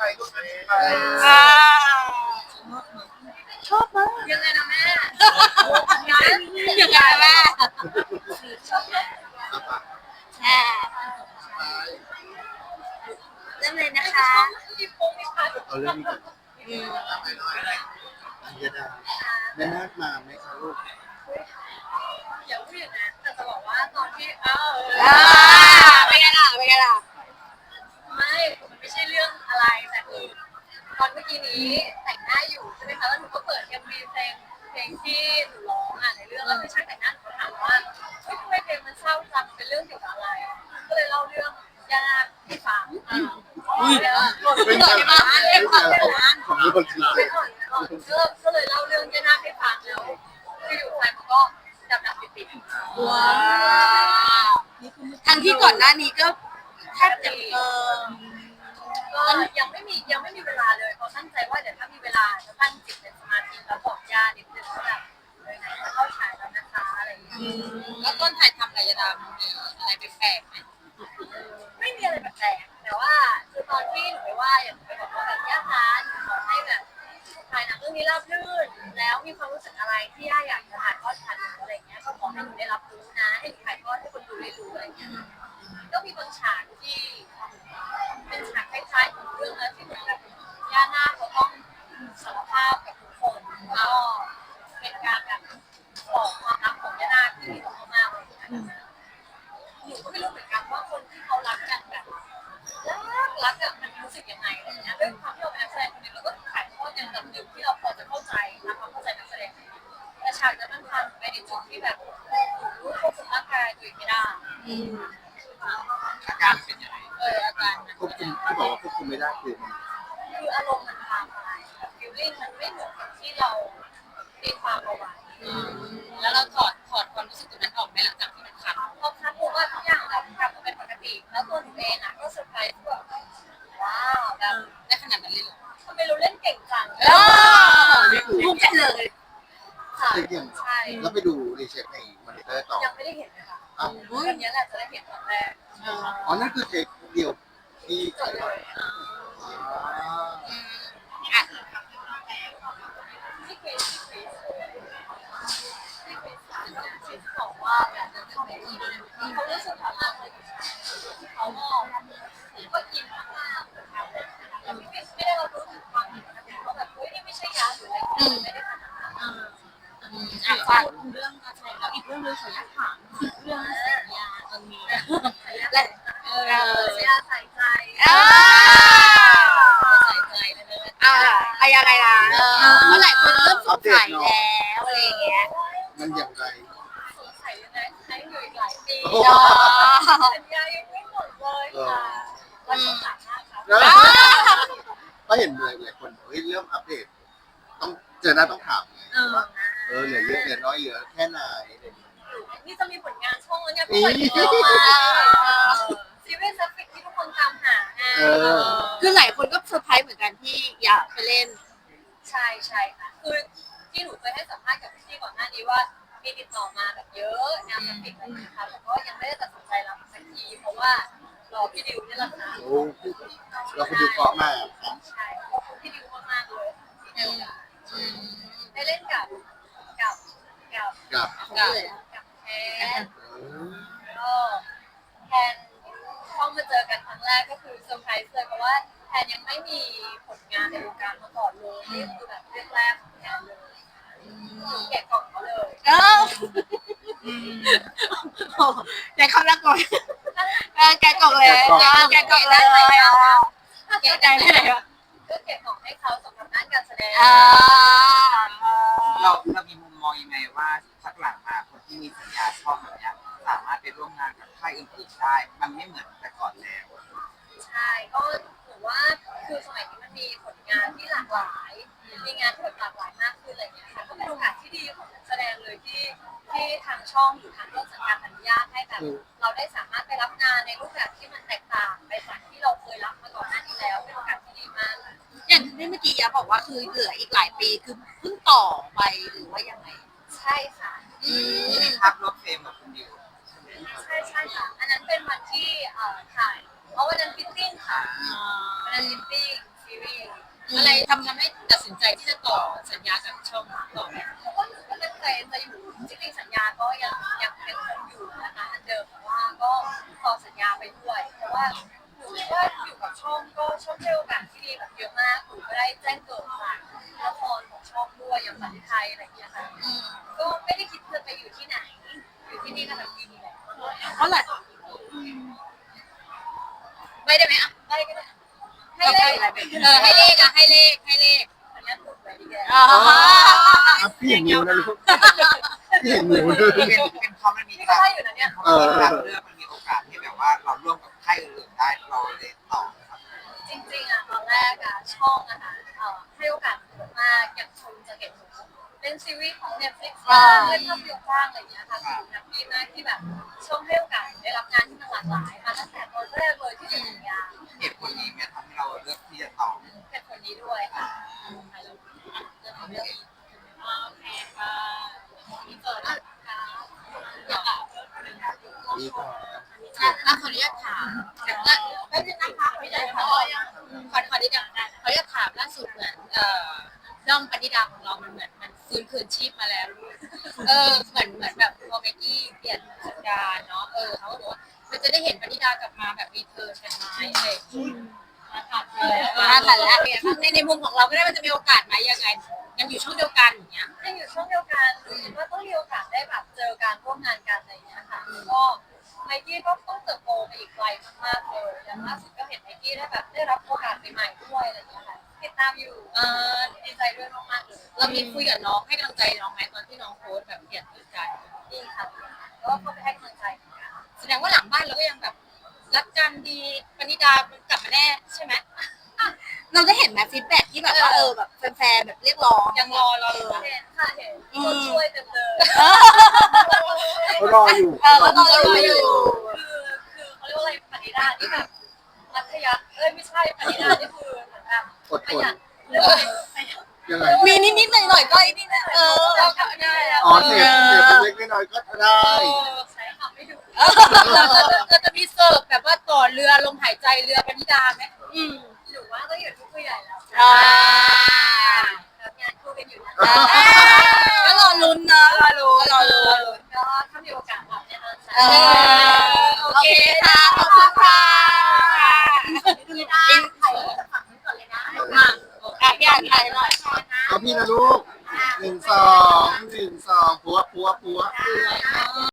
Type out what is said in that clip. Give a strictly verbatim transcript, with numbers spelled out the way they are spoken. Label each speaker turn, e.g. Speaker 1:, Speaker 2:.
Speaker 1: อ่าชอบมาก
Speaker 2: ยังไงนะแม่
Speaker 1: ยังไงแม่อ่าเริ่มเลยนะคะ
Speaker 3: เอาเรื่องนี้ก่อน
Speaker 1: อืม
Speaker 3: ยดาแม่นาคมาไหมคะลูก
Speaker 2: อย่าพูดอย่างนั้นแต่จะบอกว่าตอนที่เออ
Speaker 1: อ่าเป็นไงล่ะเป็นไงล่ะ
Speaker 2: ไม่มันไม่ใช่เรื่องอะไรแต่คือตอนเมื่อกี้นี้แต่งหน้าอยู่ใช่ไหมคะแล้วหนูก็เปิดเอ็มวีเพลงเพลงที่หนูร้องอ่ะในเรื่องแล้วคือช่างแต่งหน้าหนูก็ถามว่าเฮ้ยทำไมเพลงมันเศร้าจังเป็นเรื่องเกี่ยวกับอะไรก็เลยเล่าเรื่องยาให้ฟังอุ้ย
Speaker 3: เป็นการเป็นการของมีคนชี้แจง
Speaker 2: ก็เลยเล่าเรื่องยาให้ฟังแล้วที่อยู่ไทยมันก็ดับดับติดติด
Speaker 1: ว้าวทั้งที่ก่อนหน้านี้ก็แทบจะเออ
Speaker 2: ก็ยังไม่มียังไม่มีเวลาเลยเพราะตั้งใจว่าเดี๋ยวถ้ามีเวลาจะตั้งจิตเป็นสมาธิแล้วบอกญาตินิดนึงว่าแบบเลยไหนจะเข้าฉายแล้วนะคะอะไรอย่างเงี้ย
Speaker 1: แล้วต้นถ่ายทำอะไรยดามีอะไรแปลกๆไหม
Speaker 2: ไม่มีอะไรแปลกๆแต่ว่าคือตอนที่หนูไปว่าอย่างหนูไปบอกว่าแบบย่าคะหนูขอให้แบบถ่ายหนังเรื่องนี้ราบรื่นแล้วมีความรู้สึกอะไรที่ย่าอยากจะถ่ายทอดผ่านหนูอะไรเงี้ยก็ขอให้หนูได้รับรู้นะให้หนูถ่ายทอดให้คนดูได้รู้อะไรเงี้ยก็มีบางฉากที่เป็นฉากคล้ายๆของเรื่องนั้นที่เหมือนแบบย่านาคเขาต้องสารภาพกับทุกคนก็เป็นการแบบบอกความรักของย่านาคที่มีต่อมากๆเลยหนูก็ไม่รู้เหมือนกันว่าคนที่เขารักกันแบบรักรักอะมันรู้สึกยังไงอะไรเงี้ยด้วยความที่เราเป็นนักแสดงคนนึงเราก็ถ่ายทอดในระดับหนึ่งที่เราพอจะเข้าใจนะความเข้าใจนักแสดงแต่ฉากนั้นมันผ่านไปในจุดที่แบบรู้ควบคุมร่างกายตัวเองไม่ได้
Speaker 3: อาการเป็นยังไง
Speaker 2: เอออาการ
Speaker 3: ควบคุมที่บอกว่าควบคุมไม่ได้คือมัน
Speaker 2: คืออารมณ์มันพาไปแบบฟีลลิ่งมันไม่เหมือนกับที่เราตีความเอาไว้
Speaker 1: แล้วเราถอดถอดความรู้สึกตรงนั้นออกไหมหลังจากที่มันขับ
Speaker 2: พอคัดปุ๊บว่าทุกอย่างแบบกลับมาเป็นปกติแล้วตัวหนูเองอ่ะก็เซอร์ไพรส์แบบว้าวแบบ
Speaker 1: ได้ขนาดนั้นเลยเหรอ
Speaker 2: ทำไมเราเล่นเก่งจัง
Speaker 1: เออภูมิใจเลย
Speaker 2: ค่ะ
Speaker 3: เทียม
Speaker 2: ใช่
Speaker 3: แล้วไปดูรีเช็คในมอนิเตอร์ต่อ
Speaker 2: ยังไม่ได้เห็นเลยค่ะ
Speaker 3: อ้าว
Speaker 2: วันนี้แหละจะได้เห็นครั้งแรก
Speaker 3: อ๋อนั่นคือเทคเดียวที่
Speaker 2: จ
Speaker 3: ถ่า
Speaker 2: ด
Speaker 3: ย
Speaker 2: เล
Speaker 3: ทอด
Speaker 2: ย
Speaker 3: อ๋อ
Speaker 1: อ่ะ
Speaker 2: ที่คริสที่คริสที่คริสก็คริสบอกว่าแบบเขาไม่อินเขารู้สึกแบบนั้นเลยเขาก็ก็อินมากๆแต่ไม่ไม่ได้เรารู้ถึงความอินนะเขาแบบเฮ้ยนี่ไม่ใช่ยาหรืออะไรไม่ได้ขนาดนั้น
Speaker 1: อ่ะฝากเรื่องการแสดงแล้วอีกเรื่องนึงขออนุญาตถามเรื่องสัญญาตรงนี้และเออ
Speaker 2: ยาใส่ใจ
Speaker 1: อ่า
Speaker 2: ใส่ใจเลยนะ
Speaker 1: อ่าอะไรยังไงล่ะเมื่อไหร่คนเริ่มสงสัยแล้วอะไรอย่างเงี้ย
Speaker 3: มันอย่างไร
Speaker 2: สงสัยยังไงใช้อยู่อีกหลายปี
Speaker 1: เนาะ
Speaker 2: สัญญายังไม่หมดเลยค่ะวันที่สามห้าครับ
Speaker 3: ก็เห็นหลายหลายคนเฮ้ยเริ่มอัปเดตต้องเจอหน้าต้องถามไงว่าเออเหลือเยอะเหลือน้อยเหลือแค่ไหน
Speaker 2: นี่จะมีผลงานช่องแล้วเนี่ยเปิดตัวมาซีรีส์ซัฟฟิกที่ทุกคนตามหาไง
Speaker 1: คือหลายคนก็เซอร์ไพรส์เหมือนกันที่อยากไปเล่น
Speaker 2: ใช่ใช่ค่ะคือที่หนูเคยให้สัมภาษณ์กับพี่ก่อนหน้านี้ว่ามีติดต่อมาแบบเยอะงานซัฟฟิกอะไรนะคะแต่ก็ยังไม่ได้ตัดสินใจรับสักทีเพราะว่ารอพี่ดิวนี่แหละค่ะ
Speaker 3: โอ้เราคนดูเกาะมาก
Speaker 2: ใช่ขอบคุณพี่ดิวมากๆเลยที่ดิวได้เล่นกับกับกับ
Speaker 3: กับ
Speaker 2: กับแทนก็แทนเข้ามาเจอกันครั้งแรกก็คือเซอร์ไพรส์เลยเพราะว่าแทนยังไม่มีผลงานในวงการมาก่อนเลยนี่คือแบบเรื่องแรกของแทนเลยแกะกล่องเขาเลย
Speaker 1: เออแกเข้าแล้วก่อนเออแกกล่องเลยแกกล่องเลยแกใจเลย
Speaker 2: ก็เก็บของให้เขาสำหรับด้านการแสดง
Speaker 1: อ่า
Speaker 4: เราเรามีมุมมองยังไงว่าพักหลังมาคนที่มีสัญญาช่องแบบเนี้ยสามารถไปร่วมงานกับค่ายอื่นๆได้ มันไม่เหมือนแต่ก่อนแล้ว
Speaker 2: ใช่ก็ถือว่าคือสมัยนี้มันมีผลงานที่หลากหลายมีงานที่แบบหลากหลายมากขึ้นอะไรอย่างเงี้ยค่ะก็เป็นโอกาสที่ดีของนักแสดงเลยที่ที่ทางช่องหรือทางต้นสังกัดอนุญาตให้แบบเราได้สามารถไปรับงานในรูปแบบที่มันแตกต่างไปจากที่เราเคยรับมาก่อนหน้านี้แล้วเป็นโอกาสที่ดีมากค่ะ
Speaker 1: อย่างที่เมื่อกี้ยาบอกว่าคือเหลืออีกหลายปีคือเพิ่งต่อไปหรือว่ายังไง
Speaker 2: ใช่ค่ะ
Speaker 1: อืม
Speaker 4: มีภาพรถเฟรมกับคุณดิว
Speaker 2: ใช่ใช่ค่ะอันนั้นเป็นวันที่เอ่อถ่ายเพราะวันนั้นฟิตติ้งค่ะวันนั้นฟิตติ้งฟิซีรีส์
Speaker 1: อะไรทำทำให้ตัดสินใจที่จะต่อสัญญากับช่องต่อไหม
Speaker 2: เพราะว่าหนูก็ตั้งใจจะอยู่จริงๆสัญญาก็ยังยังยังคงอยู่นะคะอันเดิมแต่ว่าก็ต่อสัญญาไปด้วยเพราะว่าหนูคิดว่าอยู่กับช่องก็ช่องให้โอกาสที่ดีแบบเยอะมากหนูก็ได้แจ้งเกิดจากละครของช่องด้วยอย่างฝันไทยอะไรอย่างเงี้ยค่ะก็ไม่ได้คิดจะไปอยู่ที่ไหนอยู่ที่นี่ก็ทำดีแหละ
Speaker 1: เพราะหลายไม่ได้ไหมอ่ะ
Speaker 2: ได้ก็ได้
Speaker 1: ให้เลขเออให้เลขอ่ะให้เลขให้เลข
Speaker 2: อันนี้ถูกไปดีแก
Speaker 1: อ๋อ
Speaker 3: อ่ะพี่เห็นนิ้วนะลูกพี่เห็นนิ้วนะ
Speaker 4: เป็นเป็นเพราะมันมี
Speaker 2: นี่ก็
Speaker 4: การ
Speaker 2: ได้อยู่นะเนี่ย
Speaker 3: เออ
Speaker 4: การเลือกมันมีโอกาสที่แบบว่าเราร่วมกับค่ายอื่นๆได้เราเลยต่อครับ
Speaker 2: จริงๆอ่ะตอนแรกอ่ะช่องอะค่ะเอ่อให้โอกาสหนูมากอย่างชมจะเห็นหนูเป็นซีรีส์ของ Netflix บ้างเล่นภาพยนตร์บ้างอะไรอย่างเงี้ยค่ะคือแฮปปี้มากที่แบบช่องให้โอกาสหนูได้รับงานที่มันหลากหลายมาตั้งแต่ตอนแรกเลยที่เป็นสัญญา
Speaker 4: เหตุผลนี้เนี่ยทำให้เราเลือกที่จะต่อ
Speaker 2: เป็นคนนี้ด้วยค่ะ
Speaker 1: โอเคค่ะมีเปิดอ่ะ
Speaker 3: นี่ก็
Speaker 1: อ่ะขออนุญาตถามแต่ว่าแป๊บนึงนะคะขออนุญาตถามขอขออนุญาตขออนุญาตถามล่าสุดเหมือนเอ่อด้อมปณิดาของเรามันเหมือนมันฟื้นคืนชีพมาแล้วเออเหมือนเหมือนแบบพอเมกกี้เปลี่ยนสัญญาเนาะเออเขาบอกว่ามันจะได้เห็นปณิดากลับมาแบบรีเทิร์นกันไหมอะไรอย่างเงี้ยมาถัดเลยมาถัดแล้วในในมุมของเราก็ได้มันจะมีโอกาสไหมยังไงยังอยู่ช่องเดียวกันอย่างเงี้ย
Speaker 2: ยังอยู่ช่วงเดียวกันหนูคิดว่าต้องมีโอกาสได้แบบเจอการร่วมงานกันอะไรอย่างเงี้ยค่ะก็ไมกี้ก็ต้องเติบโตไปอีกไกลมากๆเลยอย่างล่าสุดก็เห็นไมกี้ได้แบบได้รับโอกาสใหม่ๆด้วยอะไรอย่างเงี้ยค่ะติดตามอยู่
Speaker 1: เออ
Speaker 2: ดีใจด้วยมากๆเลย
Speaker 1: เรามีคุยกับน้องให้กำลังใจน้องไหมตอนที่น้องโพสต์แบบเปลี่ยนพฤติกรรม
Speaker 2: ดีค่ะก็เข้าไปให้กำลังใจเหมือนกัน
Speaker 1: แสดงว่าหลังบ้านเราก็ยังแบบรักกันดีปณิดากลับมาแน่ใช่ไหม
Speaker 5: เราได้เห็นไหมฟีดแบ็กที่แบบว่าเออแบบแฟนๆแบบเรียกร้อง
Speaker 1: ยังรอรออยู่
Speaker 2: เห็นค่ะเห็นคนช่วยเต็มเลย
Speaker 3: เขารออยู่
Speaker 5: เออแล้วก็รออยู่
Speaker 2: คือคือเขาเรียกว่าอะไรปณิดาที่แบบมัธยัสถ์เอ้ยไม่ใช่ปณิดาที่คือเหมือนแบบ
Speaker 3: อด
Speaker 2: ป
Speaker 3: ท
Speaker 2: ระ
Speaker 3: น
Speaker 2: หยัดเรียกว่าอะไรประหยัด
Speaker 3: ยังไง
Speaker 5: มีนิดๆหน่อยๆก็ไอ้นี่นะเออ
Speaker 2: เราก็ได้แล้ว
Speaker 3: อ๋อเสียบเสียบเล็กๆน้อยๆก็ได้
Speaker 2: ใช้คำไม่ถูก
Speaker 1: เราจะเราจะมีเสิร์ฟแบบว่าต่อเรือลมหายใจเรือปณิดาไหม
Speaker 5: อืม
Speaker 2: หรือว่าก็อยู่ที่ผู้ใหญ่แล้ว
Speaker 5: อ่า
Speaker 2: รับงานคู่กันอยู่นะ
Speaker 5: ก็รอลุ้นเนอะรอลุ้นรอลุ้น
Speaker 2: ก็ถ้ามีโอกาสแบบแน่นอน
Speaker 5: เออโอเคค่ะขอบคุณค่ะ
Speaker 2: ไม่ได้ถ่ายรูปจากฝั่งนี้ก่อนเลยนะ
Speaker 1: มา
Speaker 5: อ่ะพี่อ่านถ่ายหน่อย
Speaker 3: เอาพี่นะลูกหนึ่งสองหนึ่งสองปัวปัวปัว